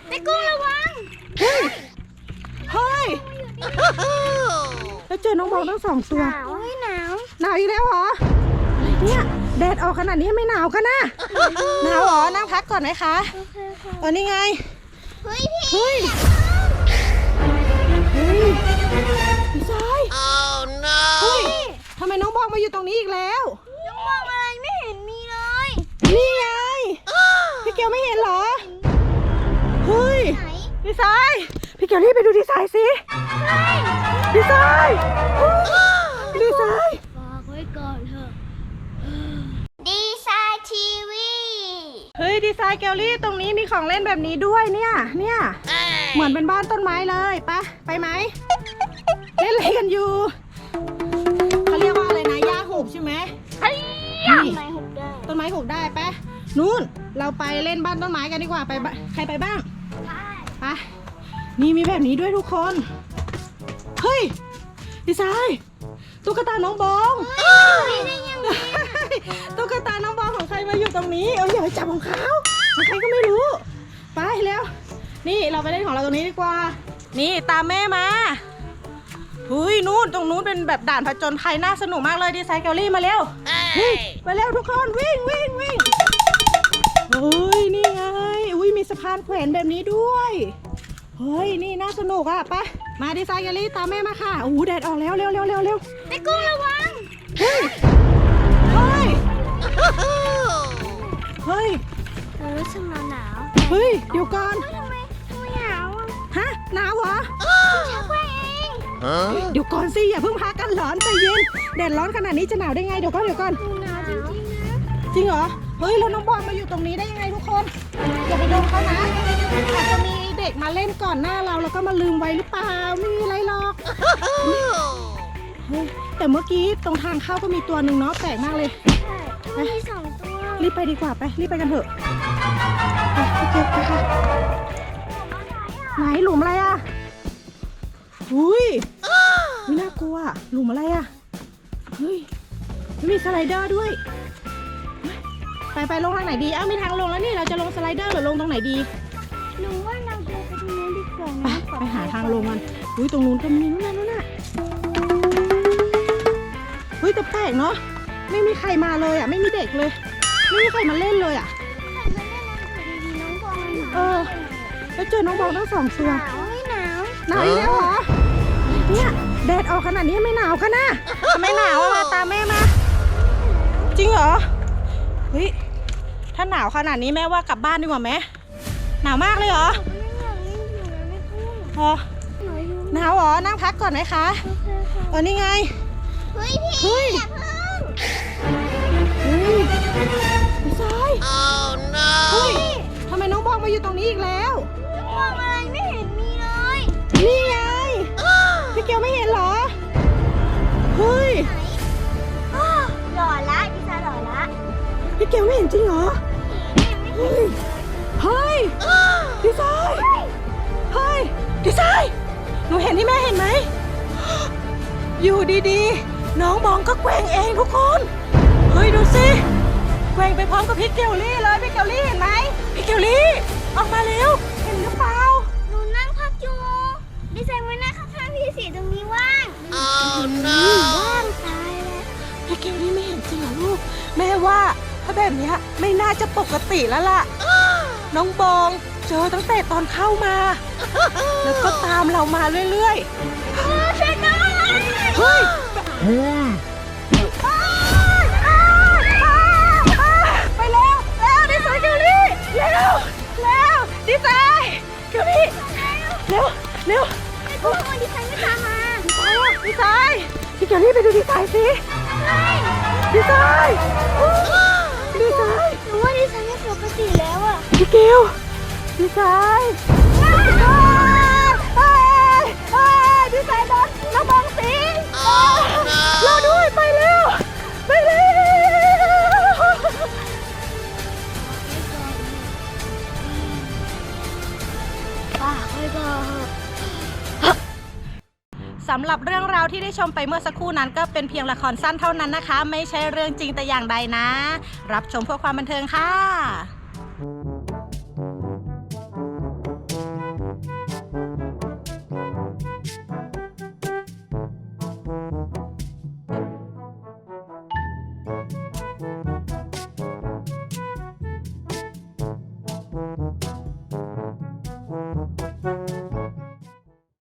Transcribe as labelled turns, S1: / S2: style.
S1: ไอ้กุ้งระวัง
S2: เฮ้ยแล้วเจอน้องบอลทั้งสองตัว
S1: หนาว
S2: หนาวอีกแล้วเหรอเนี่ยแดดออกขนาดนี้ไม่หนาวกันนะหนาวเหรอนั่งพักก่อนไหมคะนี่ไง
S1: เฮ้ยพี่
S2: เฮ้ยพี่ชายเฮ้ยทำไมน้องบอลมาอยู่ตรงนี้อีกแล้ว
S1: น้องมองอะไรไม่เห็นมีเลย
S2: นี่ไงพี่เกียวไม่เห็นเหรอเฮ้ยดีไซน์พี่เกียวรีบไปดูดีไซน์สิดีไซน์ดีไซน์
S1: บอกไว้ก่อนเถอะดีไซน์ทีวี
S2: เฮ้ยดีไซน์เกลลี่ตรงนี้มีของเล่นแบบนี้ด้วยเนี่ยเหมือนเป็นบ้านต้นไม้เลยไปไหมเล่นอะไรกันอยู่เขาเรียกว่าอะไรนะหญ้าหูบใช่ไหม
S1: ต้นไม้หุบได้
S2: ต้นไม้หูบได้ไปนู่นเราไปเล่นบ้านต้นไม้กันดีกว่าไปใครไปบ้างไปนี่มีแบบนี้ด้วยทุกคนเฮ้ยดีไซน์ตุ๊กตาน้องบองตุ๊กตาน้องบองของใครมาอยู่ตรงนี้อย่าไปจับของเขาใครก็ไม่รู้ไปแล้วนี่เราไปเล่นของเราตรงนี้ดีกว่านี่ตามแม่มาเฮ้ยนู่นตรงนู้นเป็นแบบด่านผจญภัยน่าสนุกมากเลยดีไซน์เกลลี่มาเร็วไปเร็วทุกคนวิ่งเฮ้ยนี่ไงอุ้ยมีสะพานแขวนแบบนี้ด้วยเฮ้ยนี่น่าสนุกอ่ะไปมาดีไซน์เกลลี่ตามแม่มาค่ะโอ้โหแดดออกแล้วเร็ว
S1: ไอ้กุ้งระวัง
S2: เฮ้ย
S1: รู้สึกหนาว
S2: เฮ้ยเดี๋ยวก่อน
S1: ทำไมหนาว
S2: ฮะหนาวเหรอ
S1: ชักไว้เอง
S2: เดี๋ยวก่อนสิอย่าเพิ่งพากันร้อนใจเย็นแดดร้อนขนาดนี้จะหนาวได้ไงเดี๋ยวก่อน
S1: หนาวจริงๆนะ
S2: จริงเหรอเฮ้ยแล้วน้องบอลมาอยู่ตรงนี้ได้ยังไงทุกคนอย่าไปโดนเขานะอาจจะมีเด็กมาเล่นก่อนหน้าเราแล้วก็มาลืมไว้หรือเปล่าไม่มีอะไรหรอกแต่เมื่อกี้ตรงทางเข้าก็มีตัวหนึ่งเนาะแปลกมากเลย
S1: ใช่มี2 ตัว
S2: รีบไปดีกว่าไปรีบไปกันเถอะไปค่ะไหนหลุมอะไรอ่ะอุ้ยไม่น่ากลัวหลุมอะไรอ่ะเฮ้ยมีสไลเดอร์ด้วยไปลงทางไหนดีมีทางลงแล้วนี่เราจะลงสไลเดอร์หรือลงตรงไหนดี
S1: หนูว่าเราเดินไปตรงนู้นดีกว่านะ
S2: ไปหาทางลงกันอุ้ยตรงนู้นก็มีนู่นน่ะเฮ้ยแต่แปลกเนาะไม่มีใครมาเลยอ่ะไม่มีเด็กเลยไม่มีใครมาเล่นเลยอ่ะแล้วเจอน้องบอลทั้ง2 ตัว
S1: หนาว
S2: อีกแล้วเหรอเนี่ยแดดออกขนาดนี้ไม่หนาวกันนะไม่หนาวมาตามแม่มาจริงเหรอเฮ้ยถ้าหนาวขนาดนี้แม่ว่ากลับบ้านดีกว่าไหมหนาวมากเลยเหรอหนาวเหรอนั่งพักก่อนไหมคะนี่ไง
S1: เฮ้ยพี่อย่าเพิ่ง
S2: พี่ชายเฮ้ยทำไมน้องบองมาอยู่ตรงนี้อีกแล้ว
S1: มองอะไรไม่เห็นมีเลย
S2: นี่ไงพี่เกียวไม่เห็นเหรอเฮ้ย
S1: หล่อละดิฉันหล่อละ
S2: พี่เกียวไม่เห็นจริงเหรอเฮ้ยดีไซน์ดีไซน์หนูเห็นที่แม่เห็นไหมอยู่ดีๆน้องบองก็แกว่งเองทุกคนเฮ้ยดูสิแกว่งไปพร้อมกับพี่เกลลี่เลยพี่เกลลี่เห็นไหมพี่เกลลี่ออกมาเร็วเห็นหรือเปล่า
S1: หนูนั่งพักอยู่ดิฉันไว้นั่งข้างๆพี่สีตรงนี้ว่างว่างตายแล้ว
S2: พี่เกลลี่ไม่เห็นจริงเหรอลูกแม่ว่าถ้าแบบนี้ไม่น่าจะปกติแล้วล่ะน้องบองเจอตั้งแต่ตอนเข้ามาแล้วก็ตามเรามาเรื่อย
S1: ๆช่วยหน่อย
S2: เฮ้ยไปแล้วดีไซน์เกลลี่แล้วดีไซน์เกลลี่เร็ว
S1: ไอ้พวกมันดีไซน์ไม่ตามมา
S2: ดีไซน์พี่เกลลี่ไปดูดีไซน์สิดีไซน์
S1: หนูว่าดีไซน์ไม่ปกติแล้วอ่ะ
S2: พี่เกลดีไซน์ดีไซน์โดนน้องบองสิงรอด้วยไปเร็วสำหรับเรื่องราวที่ได้ชมไปเมื่อสักครู่นั้นก็เป็นเพียงละครสั้นเท่านั้นนะคะไม่ใช่เรื่องจริงแต่อย่างใดนะรับชมเพื่อความบันเทิงค่ะ